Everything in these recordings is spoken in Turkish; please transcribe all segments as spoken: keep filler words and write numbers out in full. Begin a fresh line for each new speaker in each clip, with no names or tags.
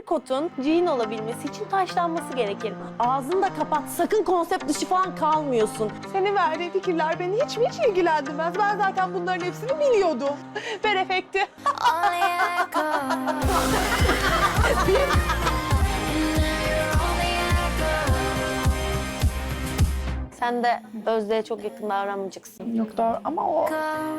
antrikotun jean olabilmesi için taşlanması gerekir. Ağzını da kapat, sakın konsept dışı falan kalmıyorsun.
Senin verdiğin fikirler beni hiç mi hiç ilgilendirmez. Ben zaten bunların hepsini biliyordum. Ver efekti.
Sen de Özde'ye çok yakın davranmayacaksın.
Yok da ama o...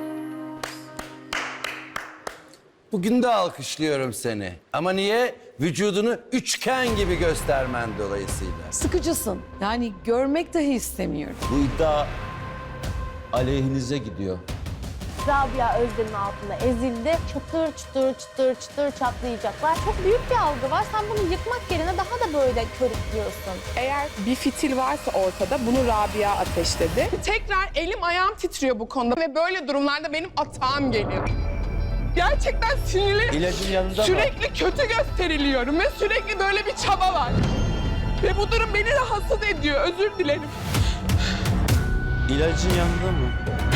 Bugün de alkışlıyorum seni. Ama niye? Vücudunu üçgen gibi göstermen dolayısıyla.
Sıkıcısın. Yani görmek dahi istemiyorum.
Bu iddia aleyhinize gidiyor.
Rabia Özde'nin altında ezildi. Çıtır çıtır çıtır çıtır çatlayacaklar. Çok büyük bir algı var. Sen bunu yıkmak yerine daha da böyle körüklüyorsun.
Eğer bir fitil varsa ortada bunu Rabia ateşledi. Tekrar elim ayağım titriyor bu konuda ve böyle durumlarda benim atağım geliyor. Gerçekten sinirlerim
İlacın yanında mı?
sürekli kötü gösteriliyorum ve sürekli böyle bir çaba var. Ve bu durum beni rahatsız ediyor. Özür dilerim.
İlacın yanında mı?